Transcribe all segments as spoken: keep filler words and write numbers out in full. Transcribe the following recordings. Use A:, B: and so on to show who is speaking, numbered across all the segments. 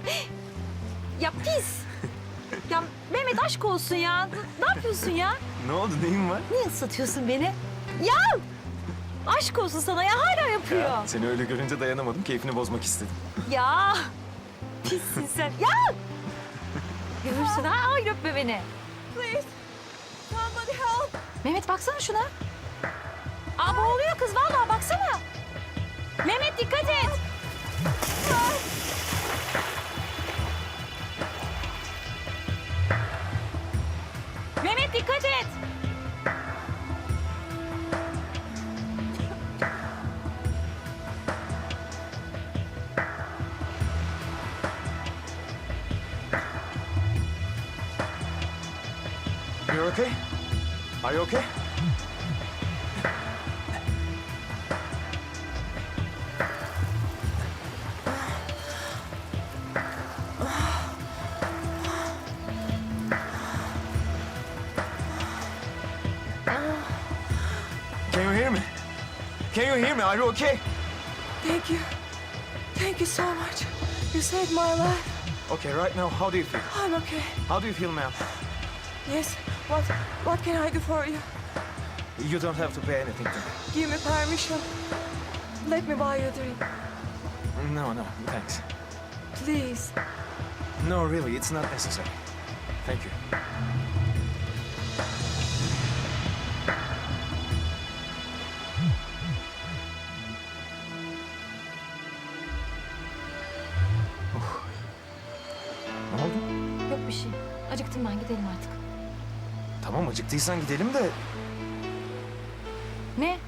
A: Ya pis. Ya Mehmet aşk olsun ya. Ne yapıyorsun ya?
B: Ne oldu, neyin var?
A: Niye ıslatıyorsun beni? Ya! Aşk olsun sana ya, hala yapıyor.
B: Ya, seni öyle görünce dayanamadım, keyfini bozmak istedim.
A: Ya! Pissin sen. Ya! Görürsün ha, hayır öpme beni.
C: Please, somebody help.
A: Mehmet baksana şuna. Aa boğuluyor kız vallahi, baksana. Mehmet dikkat et. Mehmet dikkat et.
B: You're okay? Are you okay? Can you hear me? Can you hear me? Are you okay?
C: Thank you. Thank you so much. You saved my life.
B: Okay, right now, how do you feel?
C: I'm okay.
B: How do you feel, ma'am?
C: Yes. What what can I do for you?
B: You don't have to pay anything to me.
C: Give me permission. Let me buy you a drink.
B: No, no, thanks.
C: Please.
B: No, really, it's not necessary. Thank you. Of. Ne oldu?
A: Yok bir şey. Acıktım ben, gidelim artık.
B: Tamam, acıktıysan gidelim de...
A: Ne?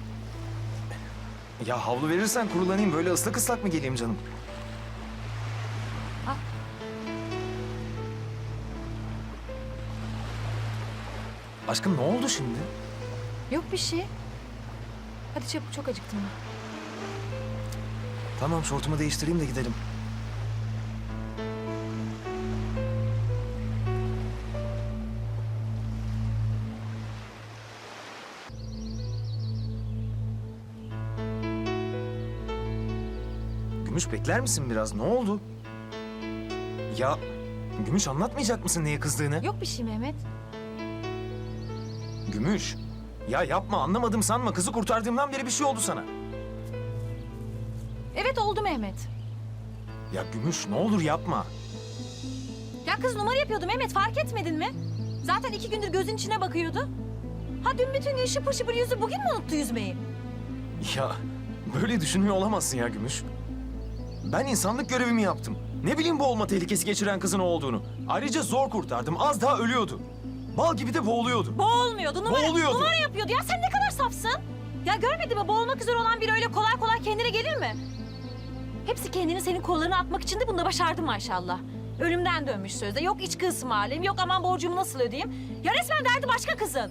B: Ya havlu verirsen kurulanayım, böyle ıslak ıslak mı geleyim canım?
A: Al.
B: Aşkım ne oldu şimdi?
A: Yok bir şey. Hadi çabuk, çok acıktım ben.
B: Tamam, şortumu değiştireyim de gidelim. Gümüş, bekler misin biraz? Ne oldu? Ya Gümüş, anlatmayacak mısın neye kızdığını?
A: Yok bir şey Mehmet.
B: Gümüş, ya yapma, anlamadım sanma. Kızı kurtardığımdan beri bir şey oldu sana.
A: Evet oldu Mehmet.
B: Ya Gümüş, ne olur yapma.
A: Ya kız numara yapıyordu Mehmet, fark etmedin mi? Zaten iki gündür gözün içine bakıyordu. Ha dün bütün gün şıpır şıpır yüzü, bugün mü unuttu yüzmeyi?
B: Ya böyle düşünmüyor olamazsın ya Gümüş. Ben insanlık görevimi yaptım. Ne bileyim boğulma tehlikesi geçiren kızın o olduğunu. Ayrıca zor kurtardım. Az daha ölüyordu. Bal gibi de boğuluyordu.
A: Boğulmuyordu, numara,
B: Boğuluyordu.
A: numara yapıyordu. Ya sen ne kadar safsın? Ya görmedin mi, boğulmak üzere olan biri öyle kolay kolay kendine gelir mi? Hepsi kendini senin kollarına atmak için de bunu da başardı maşallah. Ölümden dönmüş sözde. Yok içki ısmarlayayım, yok aman borcumu nasıl ödeyeyim. Ya resmen derdi başka kızın.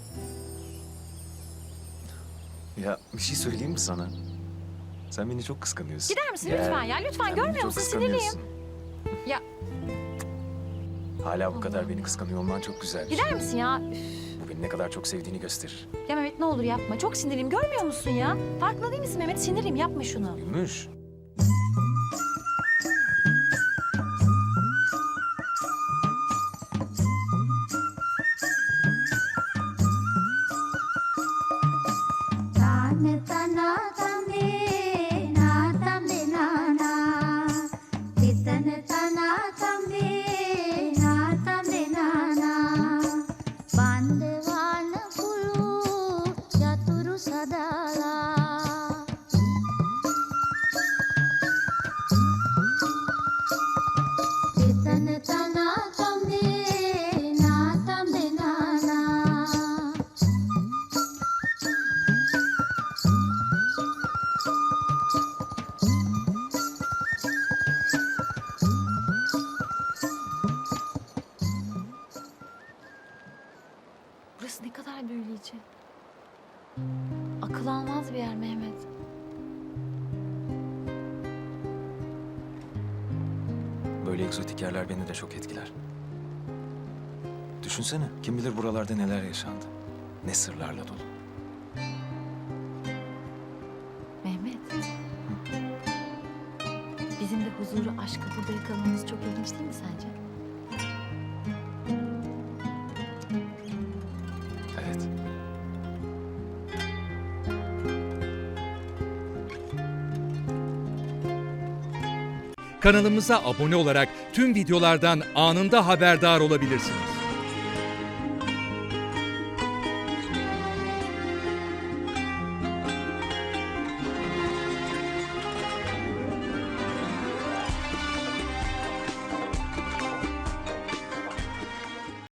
B: Ya bir şey söyleyeyim mi sana? Sen beni çok kıskanıyorsun.
A: Gider misin lütfen ya? Lütfen,
B: sen
A: görmüyor
B: beni çok
A: musun? Sinirliyim.
B: kıskanıyorsun.
A: Ya
B: Hala bu kadar beni kıskanıyor olman çok güzel. bir şey.
A: gider misin ya? Üf.
B: Bu beni ne kadar çok sevdiğini gösterir.
A: Ya Mehmet ne olur yapma. Çok sinirliyim, görmüyor musun ya? Farkında değil misin Mehmet? Sinirliyim, yapma şunu.
B: Gümüş.
D: Tane tana tane na tane na na Titane tana tane na tane na na Bandewan pulu yaturu sadala Titane tana tane na tane na na
A: Burası ne kadar büyüleyici. Akıl almaz bir yer Mehmet.
B: Böyle egzotik yerler beni de çok etkiler. Düşünsene, kim bilir buralarda neler yaşandı. Ne sırlarla dolu.
A: Mehmet. Bizim de huzuru, aşkı burada yakalamamız çok ilginç değil mi sence?
B: Evet.
E: Kanalımıza abone olarak tüm videolardan anında haberdar olabilirsiniz.